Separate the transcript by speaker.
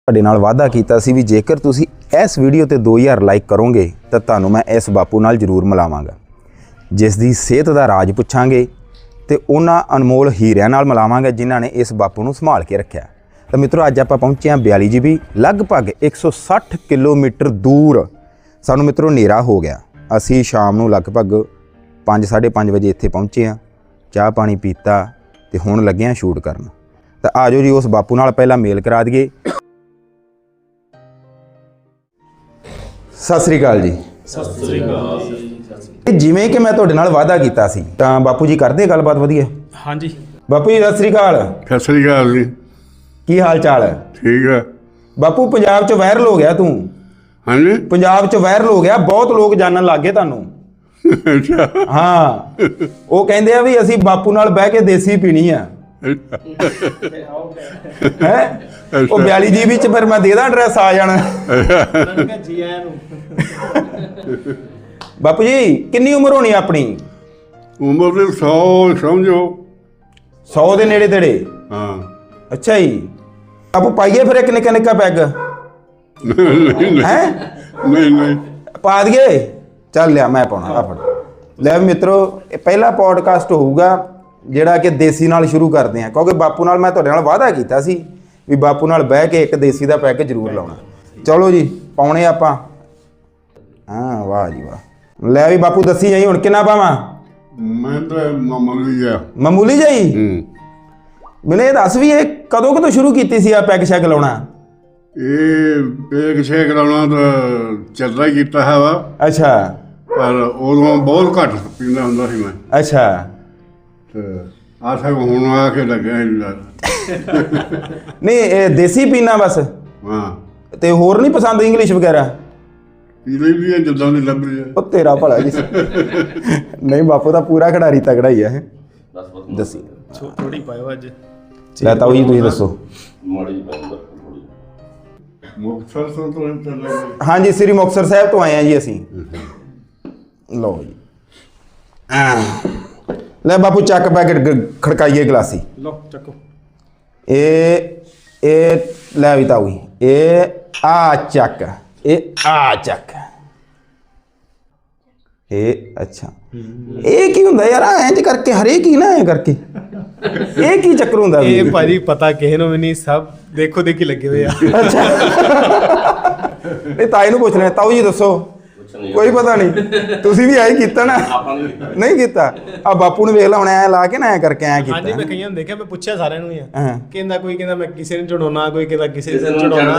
Speaker 1: ਤੁਹਾਡੇ ਨਾਲ ਵਾਅਦਾ ਕੀਤਾ ਸੀ ਵੀ ਜੇਕਰ ਤੁਸੀਂ ਇਸ ਵੀਡੀਓ ਤੇ 2000 ਲਾਈਕ ਕਰੋਗੇ ਤਾਂ ਤੁਹਾਨੂੰ ਮੈਂ ਇਸ ਬਾਪੂ ਨਾਲ ਜ਼ਰੂਰ ਮਿਲਾਵਾਂਗਾ, ਜਿਸ ਦੀ ਸਿਹਤ ਦਾ ਰਾਜ ਪੁੱਛਾਂਗੇ ਤੇ ਉਹਨਾਂ ਅਨਮੋਲ ਹੀਰਿਆਂ ਨਾਲ ਮਿਲਾਵਾਂਗੇ ਜਿਨ੍ਹਾਂ ਨੇ ਇਸ ਬਾਪੂ ਨੂੰ ਸੰਭਾਲ ਕੇ ਰੱਖਿਆ। ਤਾਂ ਮਿੱਤਰੋ ਅੱਜ ਆਪਾਂ ਪਹੁੰਚੇ ਹਾਂ 42 GB, ਲਗਭਗ 160 ਕਿਲੋਮੀਟਰ ਦੂਰ। ਸਾਨੂੰ ਮਿੱਤਰੋ ਹਨੇਰਾ ਹੋ ਗਿਆ, ਅਸੀਂ ਸ਼ਾਮ ਨੂੰ ਲਗਭਗ 5-5:30 ਵਜੇ ਇੱਥੇ ਪਹੁੰਚੇ ਹਾਂ, ਚਾਹ ਪਾਣੀ ਪੀਤਾ ਤੇ ਹੁਣ ਲੱਗੇ ਹਾਂ ਸ਼ੂਟ ਕਰਨ। ਤਾਂ ਆ ਜਾਓ ਜੀ ਉਸ ਬਾਪੂ ਨਾਲ ਪਹਿਲਾਂ ਮੇਲ ਕਰਾ ਦਈਏ। ਸਤਿ ਸ੍ਰੀ ਅਕਾਲ ਜੀ।
Speaker 2: ਸਤਿ ਸ੍ਰੀ ਅਕਾਲ।
Speaker 1: ਜਿਵੇਂ ਕਿ ਮੈਂ ਤੁਹਾਡੇ ਨਾਲ ਵਾਅਦਾ ਕੀਤਾ ਸੀ ਤਾਂ ਬਾਪੂ ਜੀ ਕਰਦੇ ਗੱਲਬਾਤ ਵਧੀਆ?
Speaker 2: ਹਾਂਜੀ
Speaker 1: ਬਾਪੂ ਜੀ ਸਤਿ ਸ੍ਰੀ ਅਕਾਲ।
Speaker 3: ਸਤਿ ਸ੍ਰੀ ਅਕਾਲ ਜੀ।
Speaker 1: ਕੀ ਹਾਲ ਚਾਲ ਹੈ?
Speaker 3: ਠੀਕ ਹੈ।
Speaker 1: ਬਾਪੂ ਪੰਜਾਬ 'ਚ ਵਾਇਰਲ ਹੋ ਗਿਆ ਤੂੰ।
Speaker 3: ਹਾਂਜੀ।
Speaker 1: ਪੰਜਾਬ 'ਚ ਵਾਇਰਲ ਹੋ ਗਿਆ, ਬਹੁਤ ਲੋਕ ਜਾਣਨ ਲੱਗ ਗਏ ਤੁਹਾਨੂੰ।
Speaker 3: ਅੱਛਾ।
Speaker 1: ਹਾਂ, ਉਹ ਕਹਿੰਦੇ ਆ ਵੀ ਅਸੀਂ ਬਾਪੂ ਨਾਲ ਬਹਿ ਕੇ ਦੇਸੀ ਪੀਣੀ ਆ ਹੈ। ਉਹ 42 GB 'ਚ ਫਿਰ ਮੈਂ ਦੇ ਦਾਂ ਐਡਰੈਸ, ਆ ਜਾਣਾ।
Speaker 2: ਜੀ ਆਇਆਂ ਨੂੰ।
Speaker 1: ਬਾਪੂ ਜੀ ਕਿੰਨੀ ਉਮਰ ਹੋਣੀ ਆਪਣੀ?
Speaker 3: ਉਮਰ ਦੇ 100 ਸਮਝੋ।
Speaker 1: 100 ਦੇ ਨੇੜੇ ਤੇੜੇ?
Speaker 3: ਹਾਂ।
Speaker 1: ਅੱਛਾ ਜੀ। ਬਾਪੂ ਪਾਈਏ ਫਿਰ ਇੱਕ ਨਿੱਕਾ ਨਿੱਕਾ ਪੈਗ? ਹੈ
Speaker 3: ਨਹੀਂ
Speaker 1: ਪਾ ਦਈਏ? ਚੱਲ ਲਿਆ ਮੈਂ ਪਾਉਣਾ ਆ ਫੜ ਲੈ। ਮਿੱਤਰੋ ਇਹ ਪਹਿਲਾ ਪੋਡਕਾਸਟ ਹੋਊਗਾ ਜਿਹੜਾ ਕਿ ਦੇਸੀ ਨਾਲ ਸ਼ੁਰੂ ਕਰਦੇ ਹਾਂ, ਕਿਉਂਕਿ ਬਾਪੂ ਨਾਲ ਮੈਂ ਤੁਹਾਡੇ ਨਾਲ ਵਾਅਦਾ ਕੀਤਾ ਸੀ ਵੀ ਬਾਪੂ ਨਾਲ ਬਹਿ ਕੇ ਇੱਕ ਦੇਸੀ ਦਾ ਪੈਗ ਜ਼ਰੂਰ ਲਾਉਣਾ। ਚਲੋ ਜੀ ਪਾਉਣੇ ਆਪਾਂ। ਹਾਂ ਵਾਹ ਜੀ ਵਾਹ। ਲੈ ਵੀ ਬਾਪੂ ਦੱਸੀ ਜਾਈ ਹੁਣ ਕਿੰਨਾ ਪਾਵਾਂ?
Speaker 3: ਮੈਂ ਤਾਂ ਮਾਮੂਲੀ ਆ।
Speaker 1: ਮਾਮੂਲੀ ਜਾਈ? ਮੈਨੂੰ ਇਹ ਦੱਸ ਵੀ ਇਹ ਕਦੋਂ ਸ਼ੁਰੂ ਕੀਤੀ ਸੀ ਆ ਪੈਗ ਸ਼ੈਗ ਲਾਉਣਾ?
Speaker 3: ਇਹ ਪੇਗ ਛੇਕ ਲਾਉਣਾ ਤਾਂ ਚੱਲਦਾ ਹੀ ਕੀਤਾ ਹੈ ਵਾ,
Speaker 1: ਅੱਛਾ।
Speaker 3: ਪਰ ਉਦੋਂ ਬਹੁਤ ਘੱਟ ਪੀਂਦਾ ਹੁੰਦਾ ਸੀ ਮੈਂ।
Speaker 1: ਅੱਛਾ।
Speaker 3: ਤੇ ਆਸਾ ਹੁਣ ਆ ਕੇ ਲੱਗਿਆ
Speaker 1: ਨਹੀਂ ਇਹ ਦੇਸੀ ਪੀਣਾ ਬਸ?
Speaker 3: ਹਾਂ।
Speaker 1: ਤੇ ਹੋਰ ਨਹੀਂ ਪਸੰਦ ਇੰਗਲਿਸ਼ ਵਗੈਰਾ?
Speaker 3: ਪੀ ਲਈ ਵੀ ਹੈ ਜਿੱਦਾਂ ਦੀ ਲੱਭ ਰਹੀ ਹੈ।
Speaker 1: ਉਹ ਤੇਰਾ ਭਲਾ ਜੀ। ਨਹੀਂ ਬਾਪੂ ਦਾ ਪੂਰਾ ਖਿਡਾਰੀ ਤਗੜਾ ਹੀ ਹੈ। ਦੱਸੀ
Speaker 2: ਥੋੜੀ ਪਾਇਓ ਅੱਜ।
Speaker 1: ਲੈ ਤਾਊ ਜੀ ਤੁਸੀਂ ਦੱਸੋ।
Speaker 3: ਮੁਕਤਸਰ ਤੋਂ ਚੱਲੇ।
Speaker 1: ਹਾਂਜੀ ਸ੍ਰੀ ਮੁਕਤਸਰ ਸਾਹਿਬ ਤੋਂ ਆਏ ਆ ਜੀ ਅਸੀਂ। ਲਓ ਜੀ। ਲੈ ਬਾਪੂ ਚੱਕ ਪੈਕਟ ਖੜਕਾਈਏ ਗਲਾਸੀ।
Speaker 2: ਲਓ ਚੱਕੋ।
Speaker 1: ਇਹ ਲੈ ਵੀ ਤਾਊ ਜੀ, ਇਹ ਆ ਚੱਕ, ਇਹ ਆ ਚੱਕ। ਇਹ ਅੱਛਾ ਇਹ ਕੀ ਹੁੰਦਾ ਯਾਰ? ਇੰਜ ਕਰਕੇ ਹਰੇਕ ਹੀ ਨਾ ਐ ਕਰਕੇ ਇਹ ਕੀ ਚੱਕਰ ਹੁੰਦਾ?
Speaker 2: ਇਹ ਭਾਜੀ ਪਤਾ ਕਿਸੇ ਨੂੰ ਵੀ ਨਹੀਂ, ਸਭ ਦੇਖੋ ਦੇਖੀ ਲੱਗੇ ਹੋਏ ਆ।
Speaker 1: ਅੱਛਾ। ਇਹ ਤਾਈ ਨੂੰ ਪੁੱਛ ਲੈ। ਤਾਊ ਜੀ ਦੱਸੋ। ਕੋਈ ਪਤਾ ਨਹੀਂ, ਤੁਸੀਂ ਵੀ ਐਂ ਕੀਤਾ ਨਾ? ਨਹੀਂ ਕੀਤਾ। ਆ ਬਾਪੂ ਨੂੰ ਵੇਖ ਲਾ ਹੁਣ ਐ ਲਾ ਕੇ ਨਾ ਐ ਕਰਕੇ ਐ ਕੀਤਾ।
Speaker 2: ਹਾਂਜੀ ਮੈਂ ਕਈਆਂ ਨੂੰ ਦੇਖਿਆ, ਮੈਂ ਪੁੱਛਿਆ ਸਾਰਿਆਂ ਨੂੰ ਹੀ ਆ।
Speaker 1: ਹਾਂ।
Speaker 2: ਕਹਿੰਦਾ ਕੋਈ ਕਹਿੰਦਾ ਮੈਂ ਕਿਸੇ ਨੂੰ ਚੜਾਉਣਾ, ਕੋਈ ਕਹਿੰਦਾ ਕਿਸੇ ਨੂੰ ਚੜਾਉਣਾ।